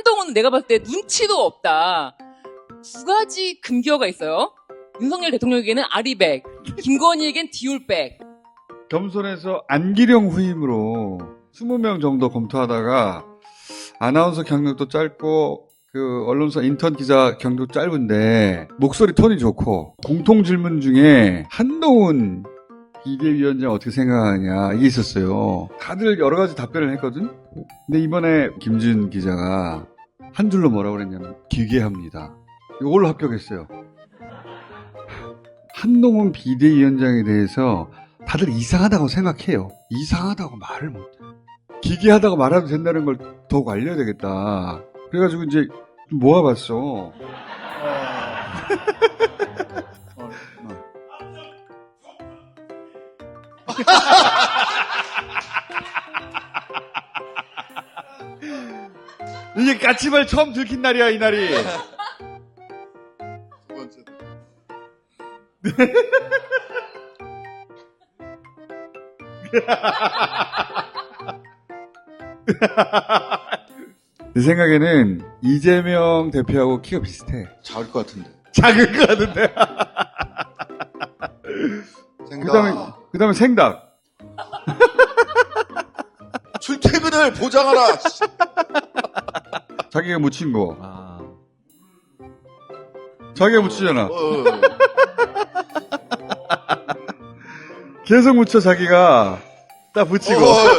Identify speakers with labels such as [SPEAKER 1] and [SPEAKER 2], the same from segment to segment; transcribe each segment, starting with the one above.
[SPEAKER 1] 한동훈은 내가 봤을 때 눈치도 없다. 두 가지 금기어가 있어요. 윤석열 대통령에게는 아리백, 김건희에겐 디올백.
[SPEAKER 2] 겸손해서 안기령 후임으로 20명 정도 검토하다가 아나운서 경력도 짧고 그 언론사 인턴 기자 경력도 짧은데 목소리 톤이 좋고 공통 질문 중에 한동훈 비대위원장 어떻게 생각하냐 이게 있었어요. 다들 여러 가지 답변을 했거든. 근데 이번에 김준 기자가 한 줄로 뭐라고 그랬냐면 기괴합니다. 이걸로 합격했어요. 한동훈 비대위원장에 대해서 다들 이상하다고 생각해요. 이상하다고 말을 못해. 기괴하다고 말해도 된다는 걸 더욱 알려야 되겠다. 그래가지고 이제 좀 모아봤어. 이게 까치발 처음 들킨 날이야, 이 날이.
[SPEAKER 3] 두 번째.
[SPEAKER 2] 내 생각에는 이재명 대표하고 키가 비슷해.
[SPEAKER 3] 작을 것 같은데.
[SPEAKER 2] 작을 것 같은데.
[SPEAKER 3] 생각.
[SPEAKER 2] 그 다음에 생닭.
[SPEAKER 3] 출퇴근을 보장하라.
[SPEAKER 2] 자기가 묻힌 거. 자기가 묻히잖아. 계속 묻혀, 자기가. 딱 붙이고.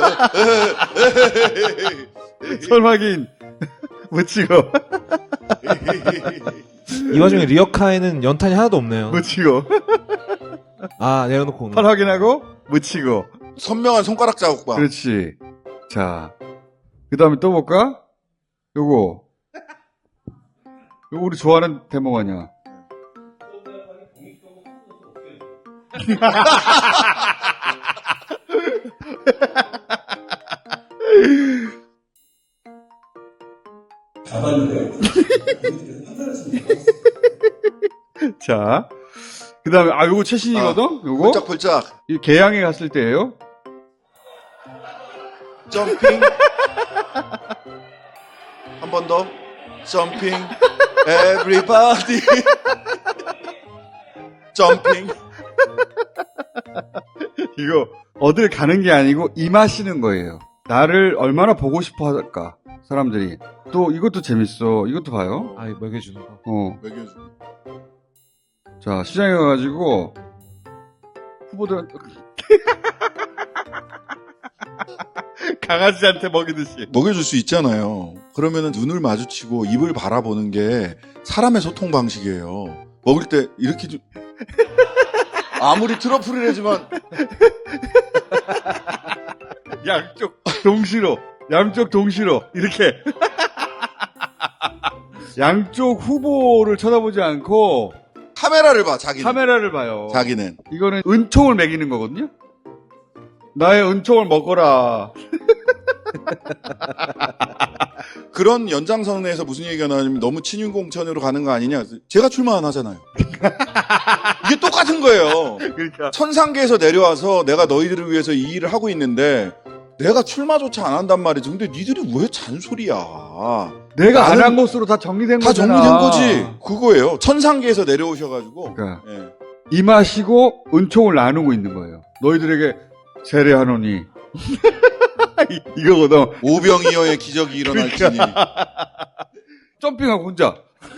[SPEAKER 2] 설마긴 묻히고.
[SPEAKER 4] 이 와중에 리어카에는 연탄이 하나도 없네요.
[SPEAKER 2] 묻히고.
[SPEAKER 4] 아, 내려놓고 오는.
[SPEAKER 2] 팔 확인하고 묻히고.
[SPEAKER 3] 선명한 손가락 자국 봐.
[SPEAKER 2] 그렇지. 자, 그 다음에 또 볼까? 요거 우리 좋아하는 대목 아니야. 자, 그 다음에, 요거 최신이거든? 요거?
[SPEAKER 3] 폴짝폴짝.
[SPEAKER 2] 이 개항에 갔을 때예요
[SPEAKER 3] 점핑. 한 번 더. 점핑. Everybody. 점핑.
[SPEAKER 2] 이거, 어딜 가는 게 아니고, 임하시는 거예요. 나를 얼마나 보고 싶어 할까, 사람들이. 또, 이것도 재밌어. 이것도 봐요.
[SPEAKER 4] 아, 먹여주는 거.
[SPEAKER 3] 먹여주고.
[SPEAKER 2] 자, 시장에 가가지고, 후보들, 강아지한테 먹이듯이.
[SPEAKER 3] 먹여줄 수 있잖아요. 그러면은 눈을 마주치고 입을 바라보는 게 사람의 소통 방식이에요. 먹을 때 이렇게 좀 아무리 트러플이라지만
[SPEAKER 2] 양쪽 동시로 이렇게 양쪽 후보를 쳐다보지 않고
[SPEAKER 3] 카메라를 봐. 자기는.
[SPEAKER 2] 카메라를 봐요.
[SPEAKER 3] 자기는.
[SPEAKER 2] 이거는 은총을 먹이는 거거든요. 나의 은총을 먹어라.
[SPEAKER 3] 그런 연장선에서 무슨 얘기가 나냐면 너무 친윤공천으로 가는 거 아니냐. 제가 출마 안 하잖아요. 이게 똑같은 거예요.
[SPEAKER 2] 그러니까
[SPEAKER 3] 천상계에서 내려와서 내가 너희들을 위해서 이 일을 하고 있는데 내가 출마조차 안 한단 말이지. 근데 니들이 왜 잔소리야.
[SPEAKER 2] 내가 안 한 것으로 다 정리된
[SPEAKER 3] 다
[SPEAKER 2] 거잖아.
[SPEAKER 3] 정리된 거지. 그거예요. 천상계에서 내려오셔가지고.
[SPEAKER 2] 그러니까
[SPEAKER 3] 예.
[SPEAKER 2] 임하시고 은총을 나누고 있는 거예요. 너희들에게 세례하노니. 이거거든.
[SPEAKER 3] 오병이어의 기적이 일어날지니.
[SPEAKER 2] 점핑하고 혼자.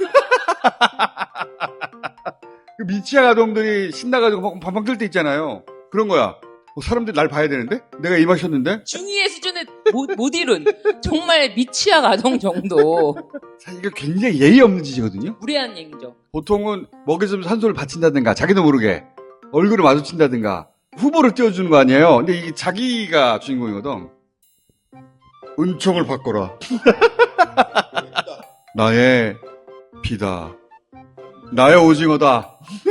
[SPEAKER 2] 그 미취학 아동들이 신나가지고 막 방방 뜰 때 있잖아요. 그런 거야. 사람들이 날 봐야 되는데? 내가 임하셨는데?
[SPEAKER 1] 중의의 수준을 못 이룬 정말 미취학 아동 정도.
[SPEAKER 2] 사실 이거 굉장히 예의 없는 짓이거든요.
[SPEAKER 1] 무례한 얘기죠.
[SPEAKER 2] 보통은 먹여주면서 한 손을 받친다든가 자기도 모르게 얼굴을 마주친다든가 후보를 띄워주는 거 아니에요. 근데 이게 자기가 주인공이거든. 은총을 바꿔라. 나의 비다. 나의 오징어다.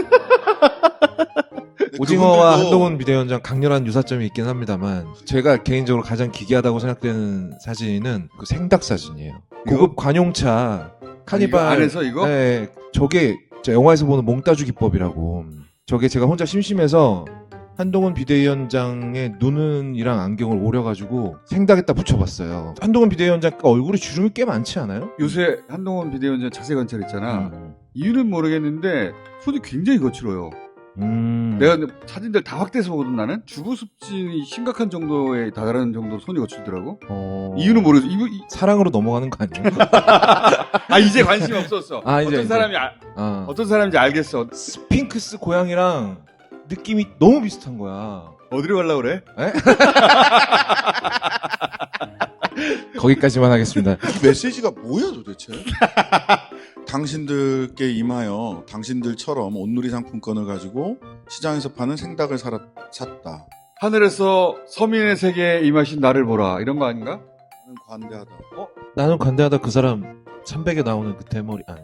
[SPEAKER 4] 오징어와
[SPEAKER 3] 그분들도
[SPEAKER 4] 한동훈 비대위원장 강렬한 유사점이 있긴 합니다만 제가 개인적으로 가장 기괴하다고 생각되는 사진은 그 생닭 사진이에요. 고급 관용차 카니발
[SPEAKER 2] 이거 안에서 이거?
[SPEAKER 4] 네, 저게 영화에서 보는 몽따주 기법이라고. 저게 제가 혼자 심심해서 한동훈 비대위원장의 눈이랑 안경을 오려가지고 생닭에다 붙여봤어요. 한동훈 비대위원장 얼굴에 주름이 꽤 많지 않아요?
[SPEAKER 2] 요새 한동훈 비대위원장 자세 관찰했잖아.
[SPEAKER 4] 음.
[SPEAKER 2] 이유는 모르겠는데 손이 굉장히 거칠어요. 내가 사진들 다 확대해서 보거든. 나는 주부습진이 심각한 정도에 다다른 정도로 손이 거칠더라고. 이유는 모르겠어.
[SPEAKER 4] 사랑으로 넘어가는 거 아니에요?
[SPEAKER 2] 아 이제 관심이 없었어.
[SPEAKER 4] 아, 이제,
[SPEAKER 2] 어떤
[SPEAKER 4] 이제.
[SPEAKER 2] 사람이 어떤 사람인지 알겠어.
[SPEAKER 4] 스핑크스 고양이랑 느낌이 너무 비슷한 거야.
[SPEAKER 2] 어디로 가려고 그래?
[SPEAKER 4] 거기까지만 하겠습니다.
[SPEAKER 3] 이 메시지가 뭐야 도대체? 당신들께 임하여 당신들처럼 온누리 상품권을 가지고 시장에서 파는 생닭을 샀다.
[SPEAKER 2] 하늘에서 서민의 세계에 임하신 나를 보라. 이런 거 아닌가?
[SPEAKER 3] 나는 관대하다.
[SPEAKER 4] 나는 관대하다 그 사람 300에 나오는 그 대머리 아니.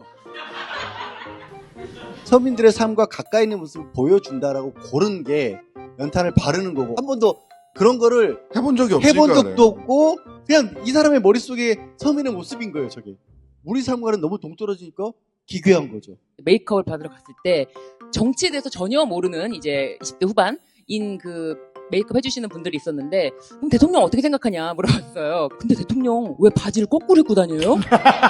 [SPEAKER 5] 서민들의 삶과 가까이 있는 모습을 보여준다라고 고른 게 연탄을 바르는 거고 한 번도 그런 거를
[SPEAKER 3] 해본 적이 없으니까
[SPEAKER 5] 해본 적도
[SPEAKER 3] 그래요.
[SPEAKER 5] 없고 그냥 이 사람의 머릿속에 서민의 모습인 거예요 저게. 우리 삶과는 너무 동떨어지니까 기괴한 거죠.
[SPEAKER 1] 메이크업을 받으러 갔을 때 정치에 대해서 전혀 모르는 이제 20대 후반인 그 메이크업 해주시는 분들이 있었는데 그럼 대통령 어떻게 생각하냐 물어봤어요. 근데 대통령 왜 바지를 거꾸로 입고 다녀요?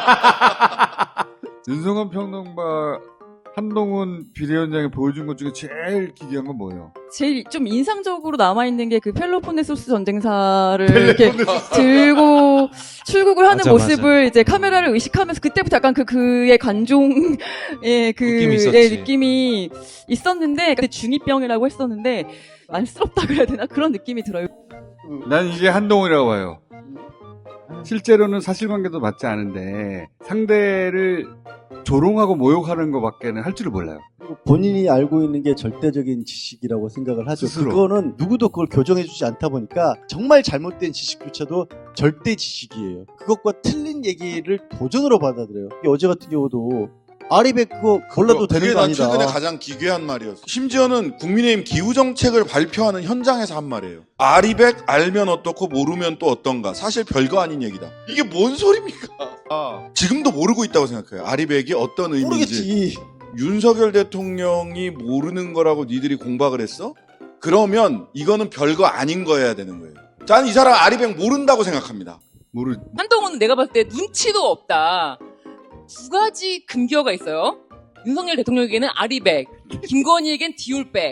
[SPEAKER 2] 윤성원 평론가 한동훈 비대위원장이 보여준 것 중에 제일 기괴한 건 뭐예요?
[SPEAKER 6] 제일 좀 인상적으로 남아있는 게 그 펠로폰네소스 전쟁사를 이렇게 들고 출국을 하는
[SPEAKER 4] 맞아,
[SPEAKER 6] 모습을 이제 카메라를 의식하면서 그때부터 약간 그의 관종의
[SPEAKER 4] 느낌이 있었지.
[SPEAKER 6] 느낌이 있었는데 근데 중2병이라고 했었는데 안쓰럽다 그래야 되나 그런 느낌이 들어요.
[SPEAKER 2] 난 이게 한동훈이라고 봐요. 실제로는 사실관계도 맞지 않은데 상대를 조롱하고 모욕하는 것밖에는 할 줄을 몰라요.
[SPEAKER 5] 본인이 알고 있는 게 절대적인 지식이라고 생각을 하죠.
[SPEAKER 2] 스스로.
[SPEAKER 5] 그거는 누구도 그걸 교정해주지 않다 보니까 정말 잘못된 지식조차도 절대 지식이에요. 그것과 틀린 얘기를 도전으로 받아들여요. 어제 같은 경우도 아리백 그거 골라도 되는
[SPEAKER 3] 그게
[SPEAKER 5] 거
[SPEAKER 3] 난
[SPEAKER 5] 아니다.
[SPEAKER 3] 최근에 가장 기괴한 말이었어. 심지어는 국민의힘 기후정책을 발표하는 현장에서 한 말이에요. 아리백 알면 어떻고 모르면 또 어떤가. 사실 별거 아닌 얘기다. 이게 뭔 소리입니까? 지금도 모르고 있다고 생각해요. 아리백이 어떤 의미인지.
[SPEAKER 5] 모르겠지.
[SPEAKER 3] 윤석열 대통령이 모르는 거라고 니들이 공박을 했어? 그러면 이거는 별거 아닌 거여야 되는 거예요. 저는 이 사람 아리백 모른다고 생각합니다.
[SPEAKER 1] 한동훈은 내가 봤을 때 눈치도 없다. 두 가지 금기어가 있어요. 윤석열 대통령에게는 아리백, 김건희에겐 디올백.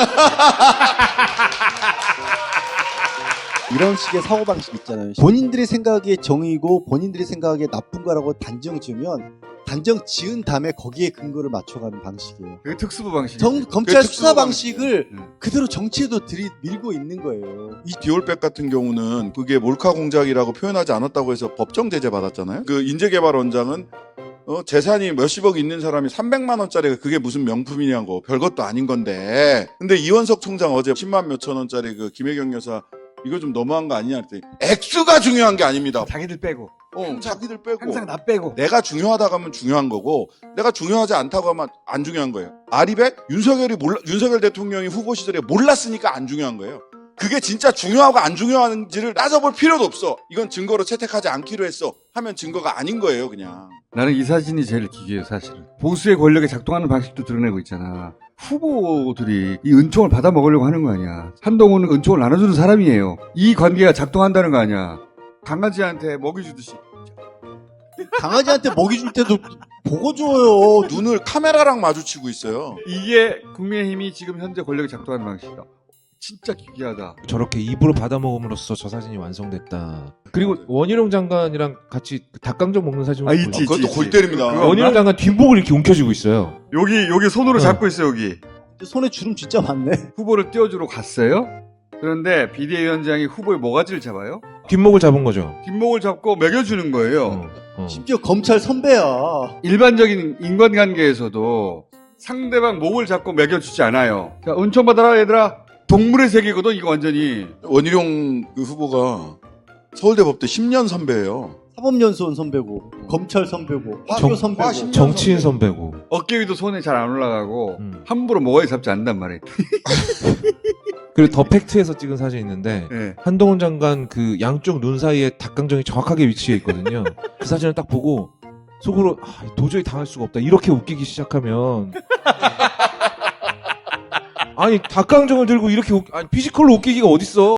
[SPEAKER 5] 이런 식의 사고방식 있잖아요. 본인들이 생각하기에 정의고 본인들이 생각하기에 나쁜 거라고 단정 지으면 단정 지은 다음에 거기에 근거를 맞춰가는 방식이에요.
[SPEAKER 2] 그게 특수부 방식.
[SPEAKER 5] 검찰
[SPEAKER 3] 특수
[SPEAKER 5] 수사
[SPEAKER 3] 방식.
[SPEAKER 5] 방식을
[SPEAKER 2] 음.
[SPEAKER 5] 그대로 정치에도 밀고 있는 거예요.
[SPEAKER 3] 이 디올백 같은 경우는 그게 몰카 공작이라고 표현하지 않았다고 해서 법정 제재 받았잖아요. 그 인재개발원장은 재산이 몇십억 있는 사람이 300만 원짜리가 그게 무슨 명품이냐고 별것도 아닌 건데. 근데 이원석 총장 어제 10만 몇천 원짜리 그 김혜경 여사 이거 좀 너무한 거 아니냐 했더니 액수가 중요한 게 아닙니다.
[SPEAKER 2] 자기들 빼고.
[SPEAKER 3] 자기들 빼고.
[SPEAKER 2] 항상 나 빼고.
[SPEAKER 3] 내가 중요하다고 하면 중요한 거고 내가 중요하지 않다고 하면 안 중요한 거예요. 아리백? 윤석열 대통령이 후보 시절에 몰랐으니까 안 중요한 거예요. 그게 진짜 중요하고 안 중요한지를 따져볼 필요도 없어. 이건 증거로 채택하지 않기로 했어. 하면 증거가 아닌 거예요, 그냥.
[SPEAKER 2] 나는 이 사진이 제일 기괴해요, 사실은. 보수의 권력에 작동하는 방식도 드러내고 있잖아. 후보들이 이 은총을 받아 먹으려고 하는 거 아니야. 한동훈은 은총을 나눠주는 사람이에요. 이 관계가 작동한다는 거 아니야. 강아지한테 먹이 주듯이.
[SPEAKER 5] 강아지한테 먹이 줄 때도 보고 줘요.
[SPEAKER 3] 눈을 카메라랑 마주치고 있어요.
[SPEAKER 2] 이게 국민의힘이 지금 현재 권력에 작동하는 방식이다. 진짜 기괴하다.
[SPEAKER 4] 저렇게 입으로 받아먹음으로써 저 사진이 완성됐다. 그리고 원희룡 장관이랑 같이 그 닭강정 먹는 사진을
[SPEAKER 2] 있지,
[SPEAKER 4] 보여요.
[SPEAKER 3] 그것도 골 때립니다.
[SPEAKER 2] 그거
[SPEAKER 4] 원희룡 장관 뒷목을 이렇게 움켜쥐고 있어요.
[SPEAKER 2] 여기 손으로
[SPEAKER 4] 어.
[SPEAKER 2] 잡고 있어, 여기.
[SPEAKER 5] 손에 주름 진짜 많네.
[SPEAKER 2] 후보를 띄워주러 갔어요. 그런데 비대위원장이 후보의 모가지를 잡아요.
[SPEAKER 4] 뒷목을 잡은 거죠.
[SPEAKER 2] 뒷목을 잡고 먹여주는 거예요.
[SPEAKER 5] 심지어 검찰 선배야.
[SPEAKER 2] 일반적인 인간관계에서도 상대방 목을 잡고 먹여주지 않아요. 자, 은총 받아라, 얘들아. 동물의 세계거든, 이거 완전히.
[SPEAKER 3] 원희룡 그 후보가 서울대 법대 10년 선배예요.
[SPEAKER 5] 사법연수원 선배고, 검찰 선배고, 화교 선배고.
[SPEAKER 3] 와, 10년
[SPEAKER 4] 정치인 선배고.
[SPEAKER 2] 어깨 위도 손에 잘 안 올라가고,
[SPEAKER 4] 음.
[SPEAKER 2] 함부로 모가지 잡지 않는단 말이에요.
[SPEAKER 4] 그리고 더 팩트에서 찍은 사진이 있는데
[SPEAKER 2] 네.
[SPEAKER 4] 한동훈 장관 그 양쪽 눈 사이에 닭강정이 정확하게 위치해 있거든요. 그 사진을 딱 보고 속으로 도저히 당할 수가 없다. 이렇게 웃기기 시작하면 아니 닭강정을 들고 이렇게 아니 피지컬로 웃기기가 어딨어.